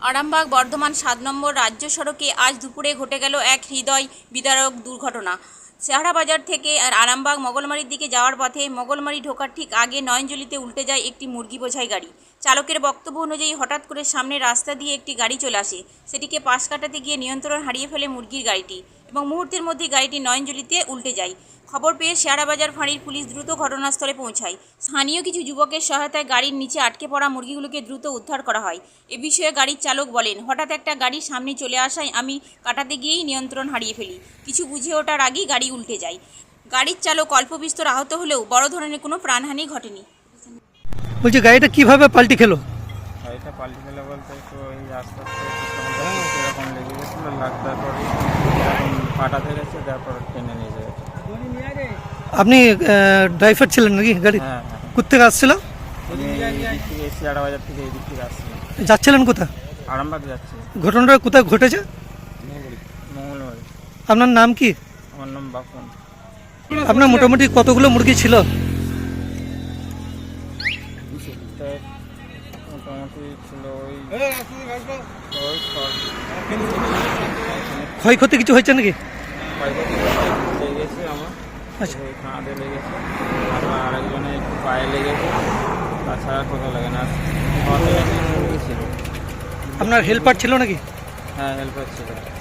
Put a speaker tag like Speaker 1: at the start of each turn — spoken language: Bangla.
Speaker 1: আরামবাগ বর্ধমান ৭ নম্বর রাজ্য সড়কে আজ দুপুরে ঘটে গেল এক হৃদয় বিদারক দুর্ঘটনা। চেহারা বাজার থেকে আরামবাগ মগলমারির দিকে যাওয়ার পথে মগলমারি ঢোকার ঠিক আগে নয়নজলিতে উল্টে যায় একটি মুরগি বোঝাই গাড়ি। চালকের বক্তব্য অনুযায়ী হঠাৎ করে সামনে রাস্তা দিয়ে একটি গাড়ি চলে আসে, সেটিকে পাশ কাটাতে গিয়ে নিয়ন্ত্রণ হারিয়ে ফেলে মুরগির গাড়িটি এবং মুহূর্তের মধ্যে গাড়িটি নয়নজলিতে উল্টে যায়। খবর পেয়ে শেয়ারাবাজার ফাঁড়ির পুলিশ দ্রুত ঘটনাস্থলে পৌঁছায়। স্থানীয় কিছু যুবকের সহায়তায় গাড়ির নিচে আটকে পড়া মুরগিগুলোকে দ্রুত উদ্ধার করা হয়। এ বিষয়ে গাড়ির চালক বলেন, হঠাৎ একটা গাড়ির সামনে চলে আসায় আমি কাটাতে গিয়েই নিয়ন্ত্রণ হারিয়ে ফেলি। কিছু বুঝে ওঠার আগেই গাড়ি উল্টে যায়। গাড়ির চালক অল্প বিস্তর আহত হলেও বড় ধরনের কোনো প্রাণহানি ঘটেনি।
Speaker 2: বলছি গাড়িটা কিভাবে পাল্টি খেলো?
Speaker 3: গাড়িটা পাল্টি খেলো বলতে একটু ওই আস্তে আস্তে এরকম লেগে গেছিলো, তারপর এরকম পাটাতে গেছে, তারপর টেনে নিয়ে যাবে।
Speaker 2: আপনি ড্রাইভার ছিলেন নাকি গাড়ি?
Speaker 3: হ্যাঁ,
Speaker 2: কোথেকে আসছিল?
Speaker 3: শেয়ারা বাজার থেকে এই দিক থেকে আসছে।
Speaker 2: যাচ্ছিলেন কোথা?
Speaker 3: আরামবাগ যাচ্ছে।
Speaker 2: ঘটনাটা কোথায় ঘটেছে?
Speaker 3: মঙ্গলবাড়ি।
Speaker 2: আপনার নাম কি?
Speaker 3: আমার নাম বাপন।
Speaker 2: আপনার মোটামুটি কতগুলো মুরগি ছিল?
Speaker 3: মোটামুটি ছিল ওই
Speaker 2: ক্ষয়ক্ষতি কিছু হয়েছে নাকি?
Speaker 3: লেগেছে আমার।
Speaker 2: আচ্ছা,
Speaker 3: কাঁধে লেগেছে, আমার আরেকজনের একটু পায়ে লেগেছে, তাছাড়া কোথাও লাগে না। ছিল।
Speaker 2: আপনার হেল্পার ছিল নাকি?
Speaker 3: হ্যাঁ, হেল্পার ছিল।